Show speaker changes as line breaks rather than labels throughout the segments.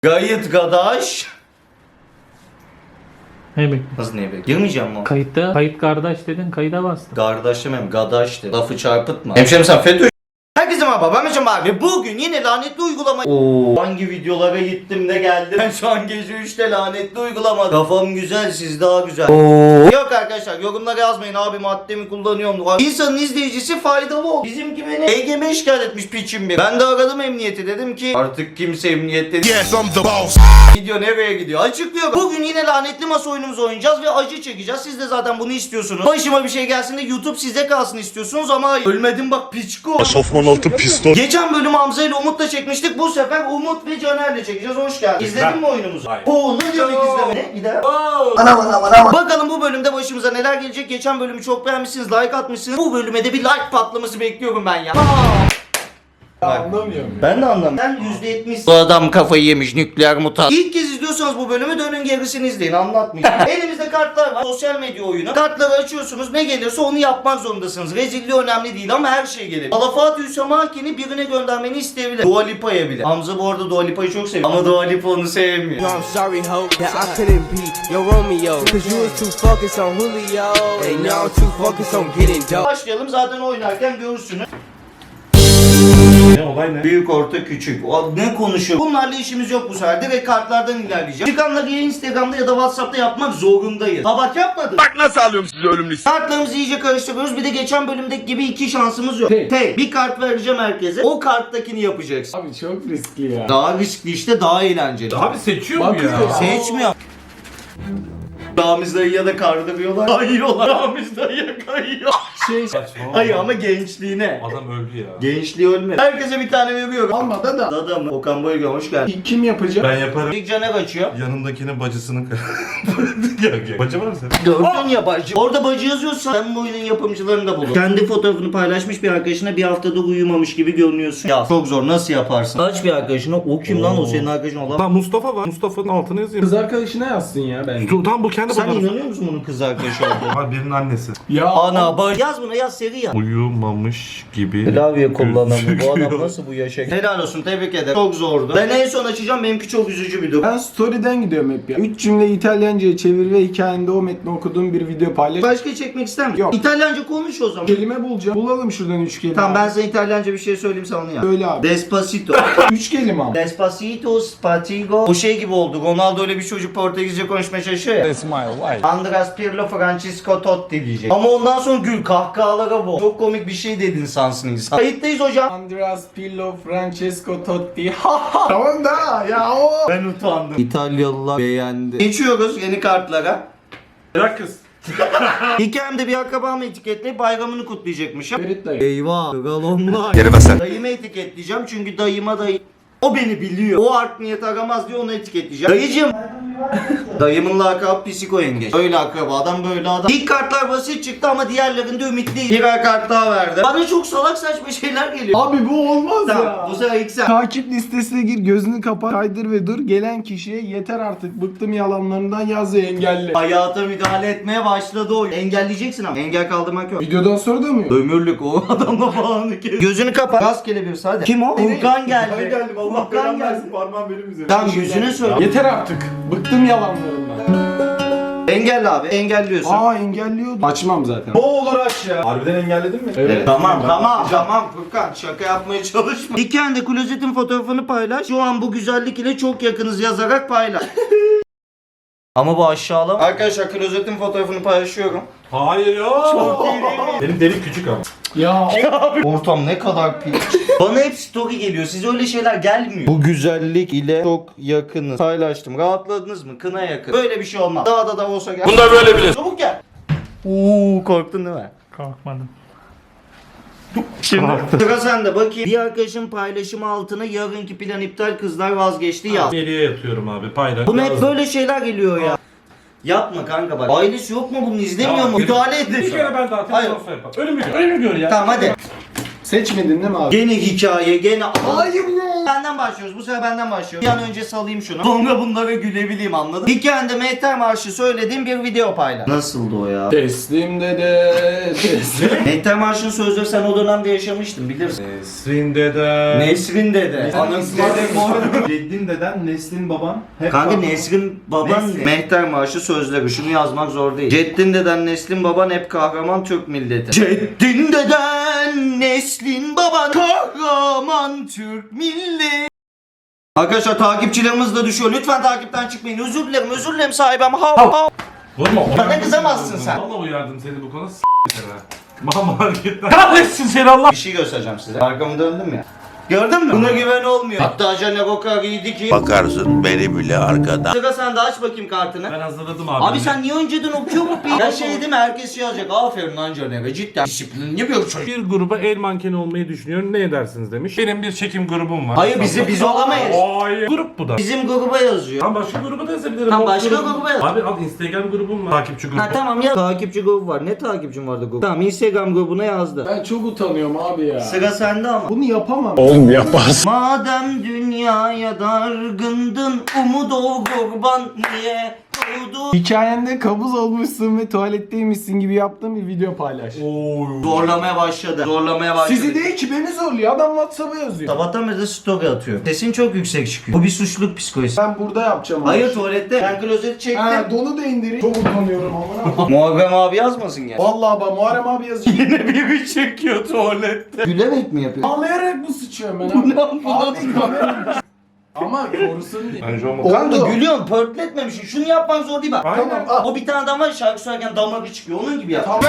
Gayet gadaş.
Ne bekliyorsun?
Nasıl ne be? Girmeyeceğim mi?
Kayıtta, kayıt kardeş dedin, kayıda bastın.
Kardeş demem, gadaştı. Lafı çarpıtma. Hemşerim sen FETÖ. Herkese merhaba, ben Mecan abi. Ve bugün yine lanetli uygulama... Hangi videolara gittim de geldim. Ben şu an gece 3'te lanetli uygulama. Kafam güzel, siz daha güzel. Yok arkadaşlar, yorumlara yazmayın abi maddemi kullanıyorum. İnsanın izleyicisi faydalı ol. Bizimki beni EGM şikayet etmiş piçim bir. Ben de aradım emniyeti, dedim ki artık kimse emniyette değil.
Yes, I'm the boss.
Video nereye gidiyor? Açıklıyorum. Bugün yine lanetli masa oyunumuzu oynayacağız ve acı çekeceğiz. Siz de zaten bunu istiyorsunuz. Başıma bir şey gelsin de YouTube size kalsın istiyorsunuz ama ölmedim bak piçko.
Sofman altı pistol.
Geçen bölüm Hamza ile Umut'la çekmiştik. Bu sefer Umut ve Caner'le çekeceğiz. Hoş geldin. İzledin mi oyunumuzu?
Hayır.
Ne demek izleme? Ne? Gider. Bakalım bu bölümde başımıza neler gelecek. Geçen bölümü çok beğenmişsiniz. Like atmışsınız. Bu bölüme de bir like patlaması bekliyorum ben ya.
Anlamıyorum.
Ben de anlamıyorum. Ben %70. Bu adam kafayı yemiş nükleer mutant. İlk kez izliyorsanız bu bölümü dönün gerisini izleyin, anlatmayacağım. Elimizde kartlar var. Sosyal medya oyunu. Kartları açıyorsunuz. Ne gelirse onu yapmak zorundasınız. Rezilliği önemli değil ama her şey gelir. Alafat Hüsamaki'ni birine göndermeni isteyebilir. Dua Lipa'ya bile. Hamza bu arada Dua Lipa'yı çok seviyor. Ama Dua Lipa onu sevmiyor.
No, I'm sorry, ho, that I couldn't be your Romeo. Cause you was too focused on Julio. And now I'm too focused on getting dope.
Başlayalım, zaten oynarken görürsünüz.
Ne olay ne?
Büyük, orta, küçük. Ne konuşuyor? Bunlarla işimiz yok bu sefer. Direkt kartlardan ilerleyeceğim. Çıkanları ya Instagram'da ya da WhatsApp'ta yapmak zorundayız. Ha bak yapmadık.
Bak nasıl alıyorum sizi ölüm listesi.
Kartlarımızı iyice karıştırıyoruz. Bir de geçen bölümdeki gibi iki şansımız yok. Tek. Bir kart vereceğim herkese. O karttakini yapacaksın.
Abi çok riskli ya.
Daha riskli işte, daha eğlenceli.
Abi seçiyor mu ya?
Seçmiyor. Ramiz dayıya da kardırıyorlar. Kayıyorlar. Ramiz dayıya kayıyor.
Saçma.
Hayır ama gençliğine.
Adam öldü ya.
Gençliği ölmedi. Herkese bir tane veriyorum.
Almadı da.
Dada mı? Okan Boyga hoş geldin.
Kim yapacak?
Ben yaparım.
İlk Caner açıyor.
Yanındakinin bacısını Yok. Bacı var mı senin?
Gördün ya bacı. Orada bacı yazıyorsa sen bu oyunun yapımcılarını da bulur. Kendi fotoğrafını paylaşmış bir arkadaşına bir haftada uyumamış gibi görünüyorsun. Ya çok zor, nasıl yaparsın? Aç bir arkadaşına, o kim lan, o senin arkadaşın olan.
Lan Mustafa var. Mustafa'nın altına yazayım.
Kız arkadaşına yazsın ya bence.
Tam bu kendi
Sen
fotoğrafı.
inanıyor musun bunun kız arkadaşı olduğunu?
Abi birinin annesi.
Ya
Ana bacı. Yaz buna, yaz, seri yaz.
Uyumamış gibi.
Klavye kullanamıyor. Bu
gözüküyor.
adam nasıl bu yaşa? Helal olsun, tebrik ederim. Çok zordu. Ben en son açacağım, benimki çok üzücü bir durum.
ben story'den gidiyorum hep ya. 3 cümle İtalyanca'ya çevir ve hikayende o metni okuduğum bir video paylaş.
Başka çekmek ister misin?
Yok.
İtalyanca konuş o zaman.
Kelime bulacağım. Bulalım şuradan 3 kelime.
Tamam, ben sana İtalyanca bir şey söyleyeyim, sen onu yap.
Söyle abi.
Despacito.
3 kelime ama.
Despacito, spatigo. O şey gibi oldu. Ronaldo öyle bir çocuk Portekizce konuşmaya çalışıyor ya. Andras Pirlo, Francisco Totti diyecek. Ama ondan sonra gül kahkahalara bu. Çok komik bir şey dedin sansın insan. Kayıttayız hocam.
Andreas Pirlo, Francesco Totti. Tamam da ya o.
Ben utandım. İtalyalılar beğendi. Geçiyoruz yeni kartlara.
Bırak kız.
Hikayemde bir akrabamı etiketleyip bayramını kutlayacakmışım.
Ferit dayı.
Eyvah. Galonlar.
Geri bas sen.
Dayımı etiketleyeceğim çünkü dayıma dayı... O beni biliyor. O art niyet aramaz diye onu etiketleyeceğim. Dayıcım. Dayımın lakabı Psiko Yengeç. Öyle akrabadan böyle adam. İlk kartlar basit çıktı ama diğerlerinde ümitliyim. Birer kart daha verdi. Bana çok salak saçma şeyler geliyor.
Abi bu olmaz
Tamam,
ya.
bu sefer ilk sen.
Takip listesine gir, gözünü kapat, kaydır ve dur. Gelen kişiye yeter artık, bıktım yalanlarından yaz ve engelli.
Hayata müdahale etmeye başladı o. Engelleyeceksin ama. Engel kaldırmak yok.
Videodan sonra da mı yok?
Ömürlük o adamla falan. Gözünü kapat. Rastgele bir hadi. Kim o? Furkan geldi.
Ben geldim. Allah
Furkan
belanı
geldi.
versin. Parmağım benim üzerine.
Tamam, yüzüne söyle.
Yeter artık. Bıktım yalanlarından.
Engelle abi. Engelliyorsun.
Aa engelliyordum. Açmam zaten.
O olur aç ya.
Harbiden engelledin mi?
Evet.
Tamam Furkan, şaka yapmaya çalışma. Hikayende klozetin fotoğrafını paylaş. Şu an bu güzellik ile çok yakınız yazarak paylaş. Ama bu aşağılama. Arkadaşlar klozetin fotoğrafını paylaşıyorum.
Hayır ya.
Çok iyi değil mi?
Benim delik küçük ama.
Ya
Ortam ne kadar pis. Bana hep story geliyor. Size öyle şeyler gelmiyor. Bu güzellik ile çok yakınız. Paylaştım. Rahatladınız mı? Kına yakın. Böyle bir şey olmaz. Dağda da olsa gel.
Bunlar böyle bilir.
Çabuk gel. Korktun değil mi?
Kalkmadım.
Şimdi sıra sende, bakayım. Bir arkadaşın paylaşımı altına yarınki plan iptal, kızlar vazgeçti yaz.
Geriye yatıyorum abi. Paylaş.
Buna hep böyle şeyler geliyor ya. Yapma kanka bak. Ailesi yok mu, bunu izlemiyor mu? Müdahale edin.
Bir kere ben daha
Hayır.
telefon yapar. Önümü gör. Önümü gör ya.
Tamam hadi.
Seçmedin değil mi abi?
Gene hikaye, gene...
Hayır ya.
Benden başlıyoruz. Bu sefer benden başlıyoruz. Bir an önce salayım şunu. Sonra bunlara gülebileyim, anladın? Hikayende Mehter Marşı söylediğim bir video paylaş. Nasıldı o ya?
Teslim dede, teslim.
Mehter Marşı'nın sözleri sen o dönemde yaşamıştın, bilirsin.
Nesrin dede.
Nesrin dede. Anası dede.
Ceddin deden, Neslin baban. Hep
Kanka
baban.
Nesrin baban
Nesrin.
Mehter Marşı sözleri. Şunu yazmak zor değil. Ceddin deden, Neslin baban hep kahraman Türk milleti. Ceddin deden, Neslin baban kahraman Türk milleti. Arkadaşlar takipçilerimiz de düşüyor. Lütfen takipten çıkmayın. Özür dilerim sahibim. Hav.
Vurma.
Bana kızamazsın sen.
Valla uyardım seni bu konuda s***sene. Mama hareketler. Kahretsin seni Allah.
Bir şey göstereceğim size. Arkamı döndüm ya. Gördün mü? Buna güven olmuyor. Hatta Caner o kadar iyiydi ki.
Bakarsın beni bile arkada.
Sıra sen de aç bakayım kartını.
Ben hazırladım abi.
Abi sen niye önceden okuyor mu? Ya şey değil mi? Herkes şey yazacak. Aferin lan Caner'e. Cidden disiplinli bir çocuk.
bir gruba el mankeni olmayı düşünüyorum. Ne edersiniz demiş. Benim bir çekim grubum var.
Hayır biz olamayız.
Hayır. Grup bu da.
Bizim gruba yazıyor.
Tam başka gruba da yazabilirim.
Tam
O
başka
grubum-
gruba yaz.
Abi al Instagram grubum var. Takipçi grubu.
Ha tamam ya. Takipçi grubu var. Ne takipçim vardı grubu? Tamam Instagram grubuna yazdı.
Ben çok utanıyorum abi ya.
Sıra sende ama.
Bunu yapamam.
Madem dünyaya dargındın, umut ol kurban niye doğdu?
Hikayende kabuz olmuşsun ve tuvaletteymişsin gibi yaptığın bir video paylaş.
Zorlamaya başladı.
Sizi değil ki beni zorluyor. Adam WhatsApp'a yazıyor.
Sabahtan beri de story atıyor. Sesin çok yüksek çıkıyor. Bu bir suçluluk psikolojisi.
Ben burada yapacağım.
Hayır
abi.
tuvalette. Ben klozeti çektim.
Ha, donu da indireyim. Çok utanıyorum ama.
Muharrem abi yazmasın ya.
Vallahi ben Muharrem abi yazıyor.
Yine biri çekiyor tuvalette. Gülerek mi yapıyor?
Ağlayarak mı sıçıyorum ben abi? Abi kamera. Ama korusun diye.
Bence olmaz.
Oldu.
Kanka gülüyorsun, pörtletmemişsin. Şunu yapman zor değil bak.
Aynen.
Tamam al.
O bir tane adam var ya, şarkı söylerken damarı çıkıyor. Onun gibi yap.
Tamam.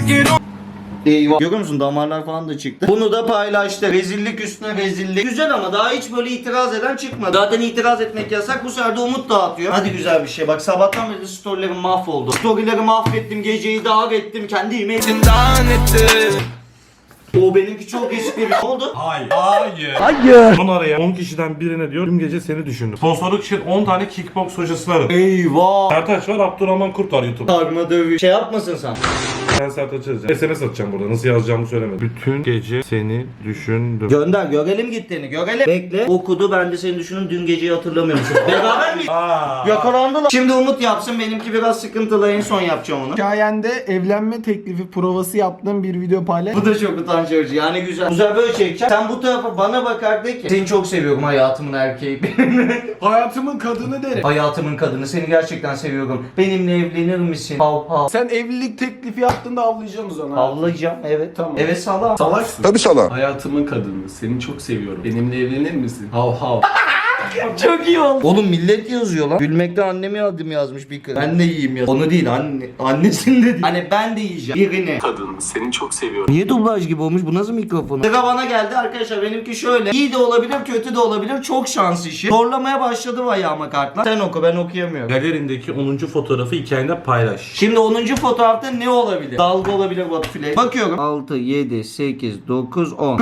Eyvah. Görüyor musun, damarlar falan da çıktı. Bunu da paylaştı. Rezillik üstüne rezillik. Güzel ama daha hiç böyle itiraz eden çıkmadı. Zaten itiraz etmek yasak. Bu sefer de umut dağıtıyor. Hadi güzel bir şey. Bak sabahtan beri storylerim mahvoldu. Storyleri mahvettim. Geceyi dağ ettim. Kendi yemeğim dağ ettim. O benimki çok espri. Ne oldu?
Hayır. Hayır. Son araya 10 kişiden birine diyor. Tüm gece seni düşündüm. Sponsorluk için 10 tane kickbox hocası var.
Eyvah.
Sertaç var, Abdurrahman Kurt var YouTube.
Sarma dövüş. Şey yapmasın sen.
Ben Sertaç'ı yazacağım. SMS atacağım burada. Nasıl yazacağımı söylemedim. Bütün gece seni düşündüm.
Gönder, görelim gittiğini, görelim. Bekle, okudu, ben de seni düşündüm, dün geceyi hatırlamıyor musun? Beraber mi? Yakalandılar. Şimdi Umut yapsın, benimki biraz sıkıntılı, en son yapacağım onu.
Hikayende evlenme teklifi provası yaptığım bir video paylaş.
Bu da çok utanç verici, yani güzel. Güzel böyle çekeceğim. Sen bu tarafa bana bakar de ki, seni çok seviyorum hayatımın erkeği.
Hayatımın kadını derim.
Hayatımın kadını, seni gerçekten seviyorum. Benimle evlenir misin? Hav hav.
Sen evlilik teklifi yaptığında avlayacaksın o zaman.
Avlayacağım, evet.
Tamam.
Evet salam.
Salaksın.
Tabii sana.
Hayatımın kadını. Seni çok seviyorum. Benimle evlenir misin? Hav hav.
Çok iyi oldu. Oğlum millet yazıyor lan. Gülmekten annemi adım yazmış bir kız. Ben de yiyeyim ya. Onu değil anne. Annesini de değil. Hani ben de yiyeceğim. Birini.
Kadın seni çok seviyorum.
Niye dublaj gibi olmuş? Bu nasıl mikrofon? Sıra bana geldi arkadaşlar. Benimki şöyle. İyi de olabilir, kötü de olabilir. Çok şans işi. Zorlamaya başladı ayağıma kartlar. Sen oku, ben okuyamıyorum.
Galerindeki 10. fotoğrafı hikayende paylaş.
Şimdi 10. fotoğrafta ne olabilir? Dalga olabilir, Batu. Bakıyorum. 6, 7, 8, 9, 10.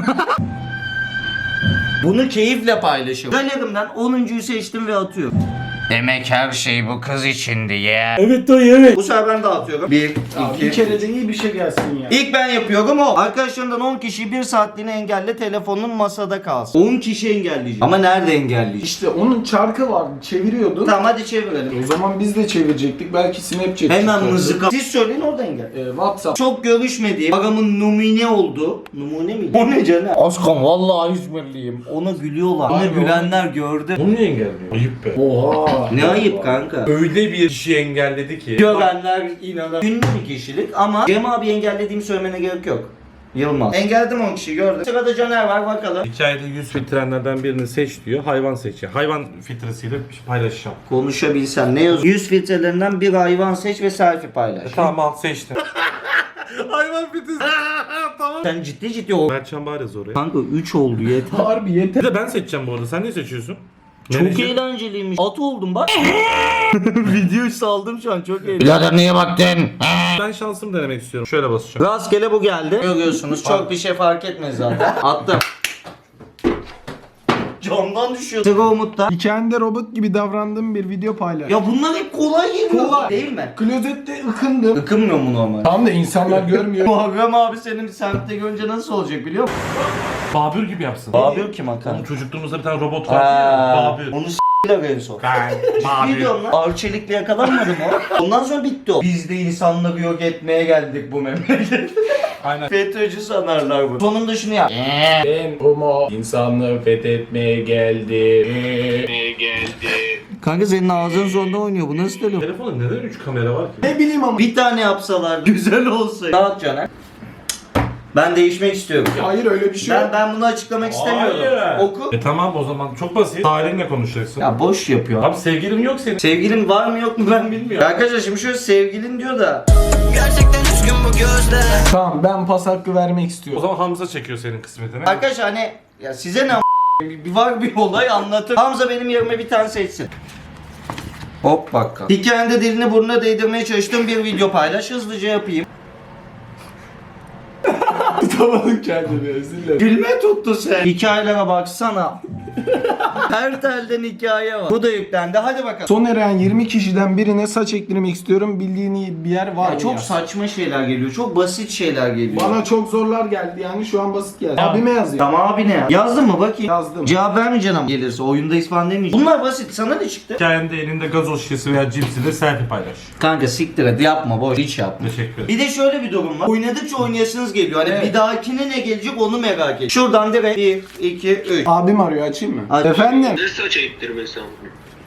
Bunu keyifle paylaşıyorum. Galerimden 10.'yu seçtim ve atıyorum. Demek her şey bu kız içindi ya.
Evet dayı evet.
Bu sefer ben de atıyorum. 1, 2,
Bir kere de iyi bir şey gelsin ya.
İlk ben yapıyorum o. Arkadaşlarımdan 10 kişiyi 1 saatliğine engelle, telefonun masada kalsın. 10 kişi engelleyeceğim. Ama nerede engelleyeceğim?
İşte onun çarkı vardı. Çeviriyordun.
Tamam hadi çevirelim.
O zaman biz de çevirecektik. Belki Snapchat.
Hemen
çıkardı.
mızıka. Siz söyleyin orada engel.
WhatsApp.
Çok görüşmediğim aramın numune oldu. Numune miydi? O ne canım? Askan vallahi İzmirliyim. Ona gülüyorlar. Ona
Abi,
gülenler gördü.
Bunu niye engelliyor? Ayıp be.
Oha.
Ne ayıp kanka.
Öyle bir kişi engelledi ki.
Görenler inanır. Ünlü bir kişilik ama Cem abi engellediğimi söylemene gerek yok. Yılmaz. Engelledim 10 kişiyi gördüm. Sırada Caner var bakalım.
Hikayede 100 filtrenlerden birini seç diyor. Hayvan seçiyor. Hayvan filtresiyle bir şey paylaşacağım.
Konuşabilsen ne yazıyor? 100 filtrelerinden bir hayvan seç ve selfie paylaş.
Tamam al seçtim. Hayvan filtresi. Tamam.
Sen ciddi o.
Mertcan bari zor ya.
Kanka 3 oldu yeter.
Harbi yeter.
Bir de ben seçeceğim bu arada. Sen ne seçiyorsun?
Çok
Menajeri-
eğlenceliymiş. At oldum bak. Videoyu saldım şu an çok eğlenceli. Birader niye baktın?
Ben şansımı denemek istiyorum. Şöyle basacağım.
Rastgele bu geldi. Görüyorsunuz çok bir şey fark etmez zaten. Attım. camdan düşüyor. Sıra Umut'ta.
Hikayende robot gibi davrandığım bir video paylaş.
Ya bunlar hep kolay geliyor.
Kolay.
Değil mi?
Klozette ıkındım.
Ikınmıyor mu normal?
Tam da insanlar görmüyor.
Muharrem abi senin semtte görünce nasıl olacak biliyor musun?
Babür gibi yapsın.
Babür kim Hakan?
Onun çocukluğumuzda bir tane robot vardı ya. Babür.
Onu s***ler en son. Ciddi diyorum lan. Arçelikle yakalanmadı mı o? Ondan sonra bitti o. Biz de insanları yok etmeye geldik bu memlekete.
Aynen.
FETÖ'cü sanarlar bu. Sonunda şunu yap.
Ben homo insanlığı fethetmeye geldim.
Kanka senin ağzın sonunda oynuyor. Bu nasıl dönüyor?
Telefonda neden 3 kamera var ki?
Ne bileyim ama.
Bir tane yapsalar güzel olsaydı. Dağıt Caner. Ben değişmek istiyorum.
Hayır öyle bir şey yok.
Ben bunu açıklamak istemiyorum.
Hayır.
Oku.
Tamam o zaman çok basit. Tarihinle konuşacaksın.
Ya boş yapıyor.
Abi sevgilin yok senin.
Sevgilin var mı yok mu ben bilmiyorum. Arkadaşlar şimdi şöyle sevgilin diyor da.
Tamam ben pas hakkı vermek
O
istiyorum.
zaman Hamza çekiyor senin kısmetini.
Arkadaşlar hani ya size ne bir var bir olay anlatır. Hamza benim yerime bir tane seçsin. Hop bak. Hikayende dilini burnuna değdirmeye çalıştığım bir video paylaş. Hızlıca yapayım.
Tutamadım kendimi özür dilerim.
Gülme tuttu sen. Hikayelere baksana. Her telden hikaye var. Bu da yüklendi. Hadi bakalım.
Son arayan 20 kişiden birine saç ektirmek istiyorum. Bildiğin bir yer var
Ya
mı
çok
ya?
saçma şeyler geliyor. Çok basit şeyler geliyor.
Bana çok zorlar geldi yani şu an basit geldi. Abime yazıyor.
Tamam abi ne ya? Yazdın mı bakayım?
Yazdım.
Cevap vermeyeceksin ama gelirse. Oyunda ispan demeyeceksin. Bunlar basit. Sana ne çıktı?
Hikayende elinde gazoz şişesi veya cipsiyle selfie paylaş.
Kanka siktir et. Yapma boş. Hiç yapma.
Teşekkür ederim.
Bir de şöyle bir durum var. Oynadıkça oynayasınız geliyor. Hani
Evet.
bir dahakine ne gelecek onu merak ediyorum. Şuradan direkt 1, 2, 3.
Abim arıyor açayım mı?
Aç.
Efendim?
Ne saç ektirmesi amına?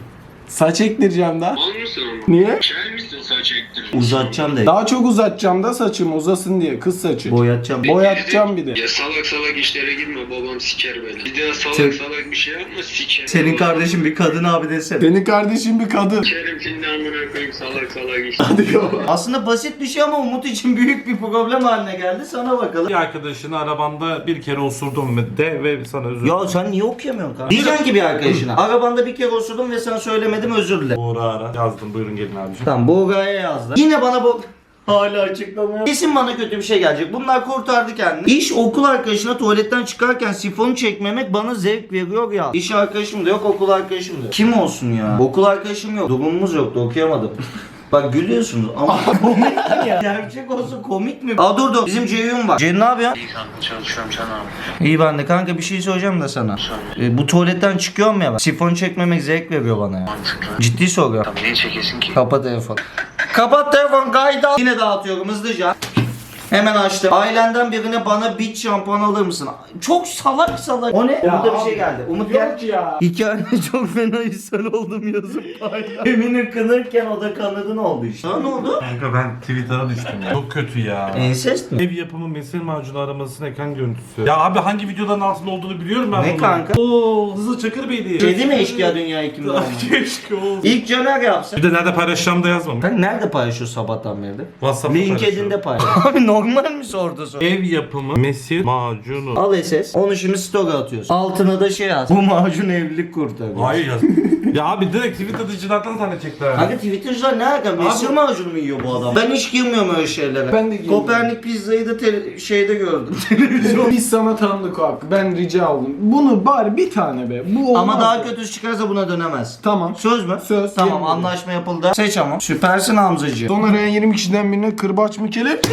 Saç ektireceğim da.
Mal mısın ama?
Niye?
Kel misin saç ektirmesi?
Uzatacağım de.
Daha çok uzatacağım da saçım uzasın diye kız saçı.
Boyatacağım.
Boyatacağım bir de.
Ya salak salak işlere girme, babam siker beni. Bir daha salak
Sen-
salak bir şey yapma, siker.
Senin kardeşin bir kadın abi desene.
Senin kardeşin bir kadın.
Sikerim şimdi amına koyayım salak salak iş.
Hadi yavrum.
Aslında basit bir şey ama Umut için büyük bir problem haline geldi. Sana bakalım.
Bir arkadaşını arabanda bir kere osurdum de ve sana özür
Ya sen niye okuyamıyorsun kanka? Diyeceksin ki bir arkadaşına. Arabanda bir kere osurdum ve sana söylemedim özür dilerim.
Uğur'a ara. Yazdım buyurun gelin abicim.
Tamam Buğra'ya yazdı. Yine bana bu hala açıklamıyor. Kesin bana kötü bir şey gelecek. Bunlar kurtardı kendini. İş okul arkadaşına tuvaletten çıkarken sifonu çekmemek bana zevk veriyor ya. İş arkadaşım da yok, okul arkadaşım da yok. Kim olsun ya? Okul arkadaşım yok. Durumumuz yoktu, okuyamadım. Bak gülüyorsunuz ama komik mi ya? Gerçek olsa komik mi? Aa dur. Bizim Ceyhun var. Ceyhun ne yapıyor?
İyi kanka çalışıyorum sen abi.
İyi ben de kanka bir şey söyleyeceğim de sana. Bu tuvaletten çıkıyorum ya ben. Sifon çekmemek zevk veriyor bana ya.
Mantıklı.
Ciddi soruyorum.
Tamam niye çekesin ki?
Kapat telefon. Kapat telefon kaydı al. Yine dağıtıyorum hızlıca. Hemen açtım. Ailenden birine bana bit şampuan alır mısın? Çok salak salak. O ne? Umut'a bir şey geldi. Umut gel.
Yok ya.
Hikayede çok fena ishal oldum yazıp paylaş. Eminim kınırken o da kanadın oldu işte. Ha, ne oldu?
Kanka ben Twitter'a düştüm ya. Çok kötü ya.
Ensest mi?
Ev yapımı mesil macunu aramasının ekran görüntüsü. Ya abi hangi videoların altında olduğunu biliyorum ben
Ne
bunu.
kanka?
Oo Hızlı Çakır Bey'di.
Kedi mi eşkıya dünya hekimde olmak?
Keşke olsun.
İlk Caner yapsın.
Bir de nerede paylaşacağım da yazmamış.
Sen nerede paylaşıyorsun sabahtan beri?
WhatsApp'ta
LinkedIn'de paylaş. Abi normal mi sordu soru?
Ev yapımı mesil macunu.
Al SS. Onu şimdi story atıyorsun. Altına da şey yaz. Bu macun evlilik kurtarıyor.
Hayır yaz. Ya abi direkt Twitter'da icraattan zannedecekler.
Kanka Twitter'cılar ne alaka? Mesir macunu mu yiyor bu adam? Ben hiç girmiyorum öyle şeylere.
Ben de girmiyorum.
Kopernik pizzayı da şeyde gördüm.
Biz sana tanıdık o hakkı. Ben rica oldum. Bunu bari bir tane be. Bu olmaz.
Ama daha
ya.
kötüsü çıkarsa buna dönemez.
Tamam.
Söz mü?
Söz.
Tamam
Yemin
anlaşma yapıldı. Seç ama. Süpersin Hamzacı.
Son arayan 20 kişiden birine kırbaç mı kelep?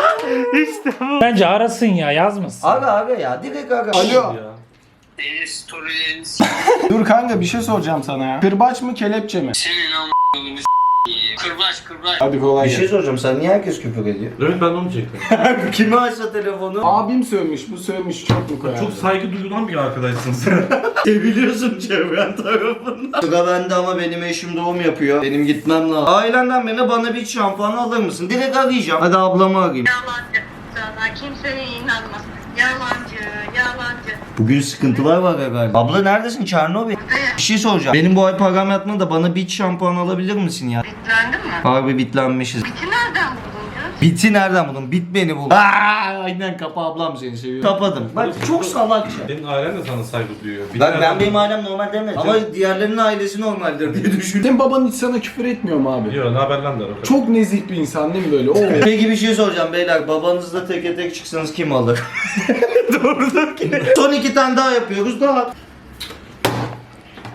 Bence arasın ya yazmasın.
Aga ya direkt aga.
Alo.
Storylerini
Dur kanka bir şey soracağım sana ya. Kırbaç mı kelepçe mi?
senin amına kırbaç.
Hadi kolay
Bir
gelsin.
şey soracağım sen niye herkes küfür ediyor?
Evet ben de onu çektim.
Kimi açsa telefonu?
Abim sövmüş, bu sövmüş çok mu koyar?
Çok saygı duyulan bir arkadaşsın sen.
Seviliyorsun çevren tarafından. Sıra bende ama benim eşim doğum yapıyor. Benim gitmem lazım. Ailenden birine bana bir şampuan alır mısın? Direkt arayacağım. Hadi ablamı arayayım.
Yalancı. Sana kimseye inanmaz. Yalancı, yalancı.
Bugün sıkıntılar var galiba. Abla neredesin? Çernobil. Bir şey soracağım. Benim bu ay param yatmadı da bana bir şampuan alabilir misin ya?
Bitlendin mi?
Harbi bitlenmişiz.
Biti nereden buldun canım?
Biti nereden buldun? Bit beni bul. Aynen kapa ablam seni seviyor. Kapadım. Bak çok salakça.
Senin ailen de sana saygı duyuyor. Bir
Ben
tane-
benim ailem normal demedim. Ama diğerlerinin ailesi normaldir diye düşündüm.
Senin baban hiç sana küfür etmiyor mu abi?
Yok ne haber lan der o kadar.
Çok nezih bir insan değil mi böyle? Oo.
Peki bir şey soracağım beyler. Babanızla teke tek çıksanız kim alır? Doğru ki. Son 2 tane daha yapıyoruz. Daha.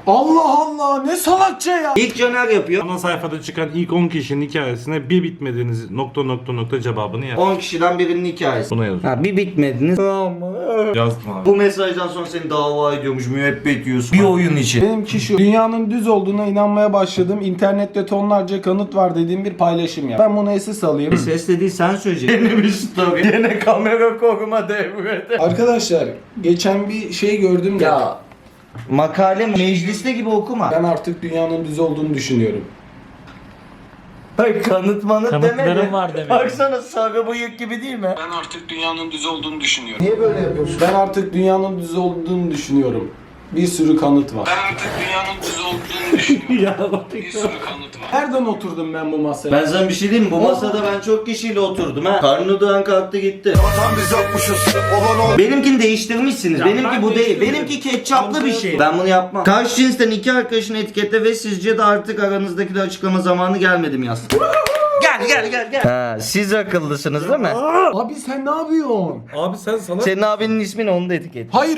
Allah Allah ne salakça ya.
İlk Caner yapıyor.
Ana sayfada çıkan ilk 10 kişinin hikayesine bir bitmediğiniz nokta cevabını yaz.
10 kişiden birinin hikayesi.
Buna yazıyor.
Ha bir bitmediniz.
Yazdım abi.
Bu mesajdan sonra seni dava ediyormuş, müebbet yiyorsun. Bir oyun için.
Benimki şu. Dünyanın düz olduğuna inanmaya başladım. İnternette tonlarca kanıt var dediğim bir paylaşım yap. Ben bunu SS alayım.
Ses dediği sen söyleyeceksin. Yeni bir story. Yine kamera koruma devrede.
Arkadaşlar geçen bir şey gördüm de.
Ya makale mecliste gibi okuma.
Ben artık dünyanın düz olduğunu düşünüyorum.
Hayır kanıt manıt
Kanıtlarım
demedi.
var demek.
Baksana sarı bıyık gibi değil mi?
Ben artık dünyanın düz olduğunu düşünüyorum.
Niye böyle yapıyorsun? Ben artık dünyanın düz olduğunu düşünüyorum. Bir sürü kanıt var.
Ben artık dünyanın düz olduğunu düşünüyorum. Bir sürü kanıt var.
Nereden oturdum ben bu masaya?
Ben sana bir şey diyeyim mi? Bu masada ben çok kişiyle oturdum ha. Karnı duran kalktı gitti. Benimkini değiştirmişsiniz. Benimki bu değil. Benimki ketçaplı bir şey. Ben bunu yapmam. Karşı cinsten iki arkadaşını etiketle ve sizce de artık aranızdaki de açıklama zamanı gelmedi mi yaz? Gel. Ha, siz akıllısınız değil mi?
Abi sen ne yapıyorsun?
Abi sen sana...
Senin abinin ismini onu da etiket.
Hayır.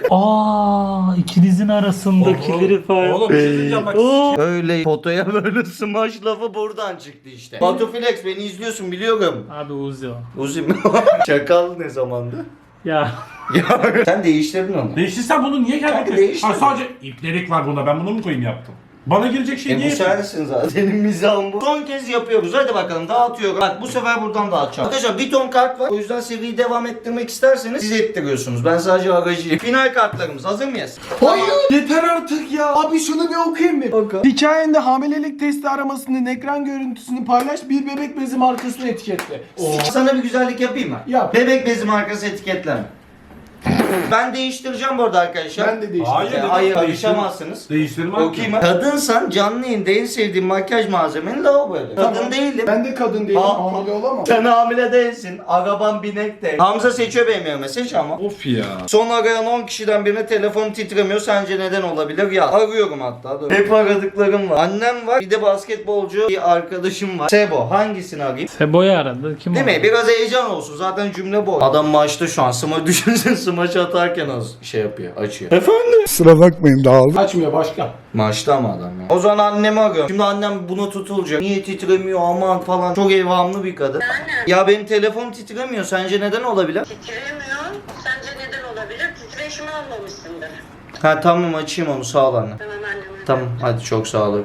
Aa, ikinizin arasındakileri falan.
Oğlum bir şey diyeceğim bak.
Öyle fotoya böyle smash lafı buradan çıktı işte. Batu Flex beni izliyorsun biliyorum.
Abi Uzi o.
Uzi mi? Çakal ne zamandı?
Ya.
Ya sen değiştirdin onu.
Değiştirsen bunu niye
Kanka
geldin?
değiştirme.
Ha sadece iplerik var bunda. Ben bunu mu koyayım yaptım? Bana gelecek şey niye
Bu
yapayım?
sensin zaten. Senin mizahın bu. Son kez yapıyoruz. Hadi bakalım dağıtıyorum. Bak bu sefer buradan dağıtacağım. Arkadaşlar bir ton kart var. O yüzden seriyi devam ettirmek isterseniz siz ettiriyorsunuz. Ben sadece aracıyım. Final kartlarımız hazır mıyız?
Hayır. Yeter artık ya. Abi şunu bir okuyayım bir. Hikayende hamilelik testi aramasının ekran görüntüsünü paylaş. Bir bebek bezi markasını etiketle.
Sana bir güzellik yapayım mı?
Yap.
Bebek bezi markası etiketleme. Ben değiştireceğim bu arada arkadaşlar.
Ben de değiştim.
Hayır,
Hayır
dedim,
karışamazsınız.
Değiştirmem.
Okuyayım mı? Kadınsan canlı yayında en sevdiğin makyaj malzemeni lavaboya. Kadın değilim.
Ben de kadın değilim.
Aa.
Hamile olamam.
Sen hamile değilsin. Araban binek de. Hamza seçiyor benim yerime. Seç ama.
Of ya.
Son arayan 10 kişiden birine telefon titremiyor. Sence neden olabilir? Ya arıyorum hatta. Dur. Hep aradıklarım var. Annem var. Bir de basketbolcu bir arkadaşım var. Sebo. Hangisini arayayım?
Sebo'yu aradı. Kim
Değil
o?
mi? Biraz heyecan olsun. Zaten cümle bu. Adam maçta şu an. Düşünsene smaç atarken az şey yapıyor. Açıyor. Efendim?
Açmıyor başka.
Maçta ama adam ya. O zaman annemi arıyorum. Şimdi annem buna tutulacak. Niye titremiyor aman falan. Çok evhamlı bir kadın. Ya benim telefon titremiyor. Sence neden olabilir?
Titremiyor. Sence neden olabilir? Titreşimi almamışsındır.
Ha tamam açayım onu sağ ol anne.
Tamam anneme.
Tamam hadi çok sağ ol.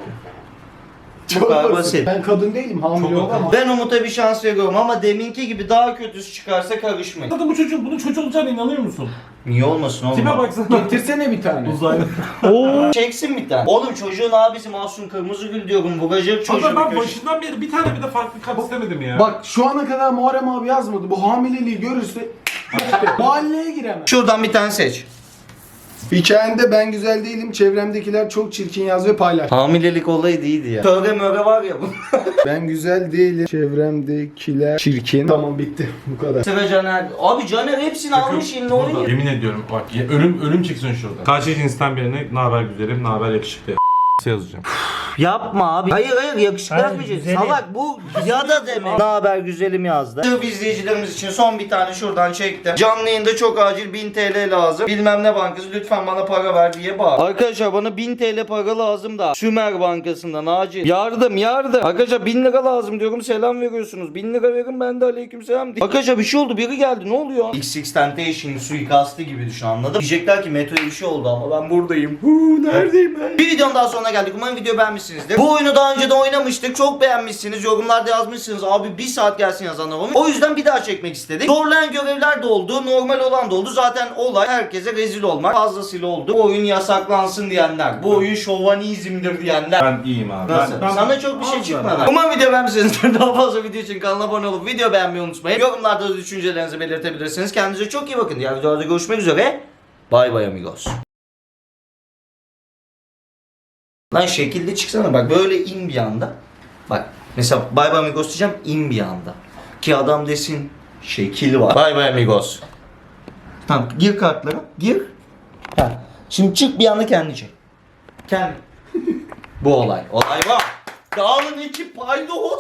Bu kadar basit.
Ben kadın değilim. Hamile
Çok
olamam.
Ben Umut'a bir şans veriyorum ama deminki gibi daha kötüsü çıkarsa karışmayın.
Zaten bunun çocuğu olacağına inanıyor musun?
Niye olmasın oğlum?
Tipe baksana.
Getirsene bir tane.
Uzaylı.
Çeksin bir tane. Oğlum çocuğun abisi Mahsun Kırmızıgül diyorum. Vuracak çocuğu
Ama ben
bir köşe.
başından beri bir tane bile farklı kart istemedim ya.
Bak şu ana kadar Muharrem abi yazmadı. Bu hamileliği görürse mahalleye giremez.
Şuradan bir tane seç.
Hikayende ben güzel değilim. Çevremdekiler çok çirkin yaz ve paylaş.
Hamilelik olayı değildi ya. Töre möre var ya bu.
Ben güzel değilim. Çevremdekiler çirkin. Tamam bitti. Bu kadar.
Sıra Caner. Abi Caner hepsini almış eline
Burada.
oynuyor.
Yemin ediyorum bak ölüm çıksın şurada. Karşı cinsten birine ne haber güzelim, ne haber yakışıklı yazacağım.
Yapma abi. Hayır yakışıklı
Hayır,
yazmayacaksın.
güzelim.
Salak bu ya da demek. Ne haber güzelim yazdı. Sırf izleyicilerimiz için son bir tane şuradan çektim. Canlı yayında çok acil 1000 TL lazım. Bilmem ne bankası lütfen bana para ver diye bağır. Arkadaşlar bana 1000 TL para lazım da. Sümer Bankası'ndan acil. Yardım. Arkadaşlar 1000 lira lazım diyorum selam veriyorsunuz. 1000 lira verin ben de aleykümselam diyeyim. Arkadaşlar bir şey oldu biri geldi ne oluyor? XX Temptation suikastı gibi düşün anladın? Diyecekler ki Meto'ya bir şey oldu ama ben buradayım. Neredeyim ben? Bir videonun daha sonuna geldik. Umarım video beğenmişsinizdir. Bu oyunu daha önce de oynamıştık. Çok beğenmişsiniz. Yorumlarda yazmışsınız. Abi bir saat gelsin yazanlar olmuş. O yüzden bir daha çekmek istedik. Zorlayan görevler de oldu. Normal olan da oldu. Zaten olay herkese rezil olmak. Fazlasıyla oldu. Bu oyun yasaklansın diyenler. Bu oyun şovanizmdir diyenler.
Ben iyiyim abi.
Nasıl? Sana çok bir şey çıkmadı. Umarım video beğenmişsinizdir. Daha fazla video için kanala abone olup video beğenmeyi unutmayın. Yorumlarda da düşüncelerinizi belirtebilirsiniz. Kendinize çok iyi bakın. Diğer videolarda görüşmek üzere. Bay bay amigos. Lan şekilde çıksana bak böyle in bir anda. Bak mesela bay bay amigos diyeceğim in bir anda. Ki adam desin şekil var. Bay bay amigos. Tamam gir kartlara gir. Ha. Şimdi çık bir anda kendi çek. Kendi. Bu olay. Olay var. Dağılın ekip paydos.